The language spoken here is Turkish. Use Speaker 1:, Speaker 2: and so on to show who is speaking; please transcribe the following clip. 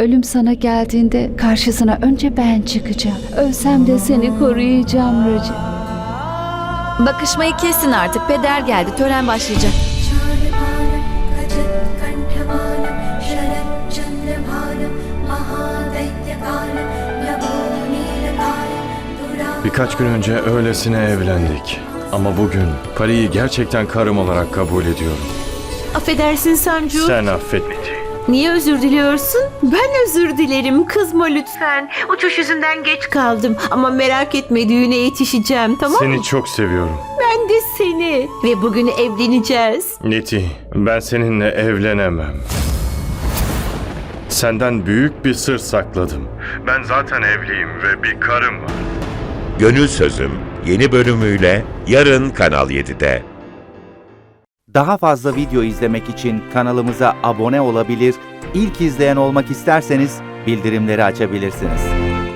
Speaker 1: Ölüm sana geldiğinde karşısına önce ben çıkacağım. Ölsem de seni koruyacağım Raci.
Speaker 2: Bakışmayı kesin artık. Peder geldi. Tören başlayacak.
Speaker 3: Birkaç gün önce öylesine evlendik. Ama bugün Pari'yi gerçekten karım olarak kabul ediyorum.
Speaker 4: Affedersin Sancu.
Speaker 3: Sen affet Niti.
Speaker 4: Niye özür diliyorsun? Ben özür dilerim. Kızma lütfen. Uçuş yüzünden geç kaldım. Ama merak etme, düğüne yetişeceğim, tamam mı?
Speaker 3: Seni çok seviyorum.
Speaker 4: Ben de seni. Ve bugün evleneceğiz.
Speaker 3: Niti, ben seninle evlenemem. Senden büyük bir sır sakladım. Ben zaten evliyim ve bir karım var.
Speaker 5: Gönül Sözüm yeni bölümüyle yarın Kanal 7'de.
Speaker 6: Daha fazla video izlemek için kanalımıza abone olabilir, ilk izleyen olmak isterseniz bildirimleri açabilirsiniz.